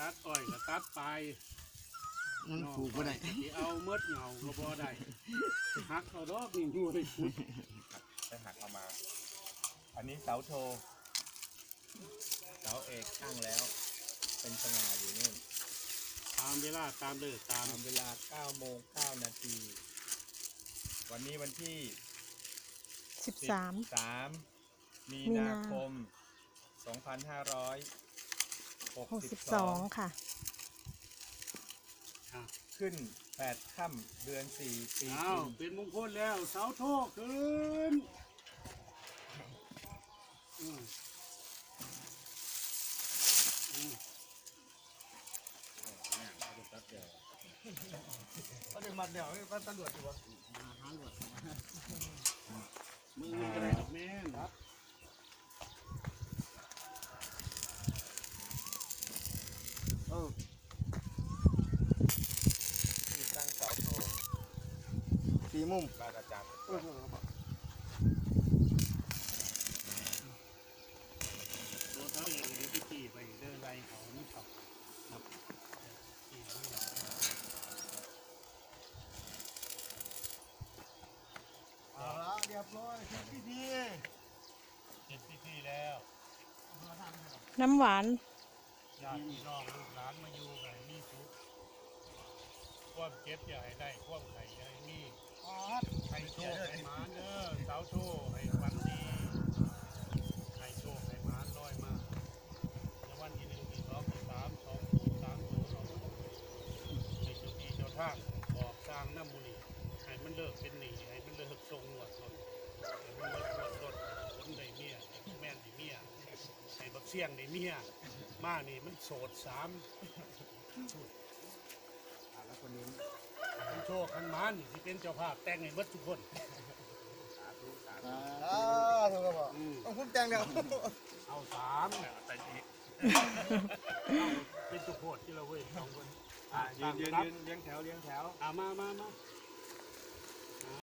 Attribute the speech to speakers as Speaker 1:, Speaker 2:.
Speaker 1: ตัดอ้อยก็ตัดไป
Speaker 2: มันปลูกบ่ได้
Speaker 1: ที่เอาเมดเหงาก็บ่ได้หักเอาดอกนี่อยู่ได้ขุด
Speaker 3: จะหักออกมา อันนี้เสาโทเสาเอกตั้งแล้ว เป็นสง่าอยู่นู่น
Speaker 1: ตามเวลาตามเลิกตาม
Speaker 3: ตามเวลา9 โมง 9 นาที วันนี้วันที่
Speaker 4: 13
Speaker 3: 13 มีนาคม 2562
Speaker 4: ค่ะ
Speaker 1: อ่ะ
Speaker 3: ขึ้น 8 ค่ำเดือน 4 ปี
Speaker 1: อ้าว
Speaker 3: กุล
Speaker 1: เป็นมงคลแล้วเสาโทษขึ้นอืมอืม
Speaker 2: ก็ดึงมัดเดี๋ยวก็ตำรวจอยู่วะ
Speaker 1: มือก็ได้ดอกแม่นครับ
Speaker 3: ที่ตั้งเสาโท
Speaker 2: สี่มุม
Speaker 3: บ้านอาจารย์
Speaker 1: ตัวเขาเองเดี๋ยวไปขี่ไปเดินไล่เขานี่ครับครับขี่เขาเนี่ย
Speaker 2: เอาละเรียบร้อยเสร็จพิธี
Speaker 1: เจ็ดพิธีแล้ว
Speaker 4: น้ำหวาน
Speaker 1: ญาติพี่น้องลูกหลานมาอยู่กันมีสุขความเจ็บอย่าให้ได้ความไข่อย่าให้มีให้โชคให้หมานเด้อสาวโชคให้ฝันดีให้โชคให้หมานลอยมาในวันที่1ที่2ที่3 2030ให้เจ้าที่เจ้าทางบอกสร้างน้ำมูนีให้มันเลิกเป็นหนี้ให้มันเลิกทรงหวดรถให้มันเลิกหวดรถผลได้เมียแม่นได้เมียให้บักเสี่ยงได้เมียมานี่มันโสด3แล้วคนนี้มันโชคขันหมานนี่ที่เป็นเจ้าภาพแต่งให้เบิดทุกคน
Speaker 2: ถูกครับพ่อต้องคุ้มแตงเดียว
Speaker 1: เอา3แต่อีกเป็นจุโคตรที่เราเว้ย2 คน
Speaker 3: ยืนเลี้ยงแถว
Speaker 1: มา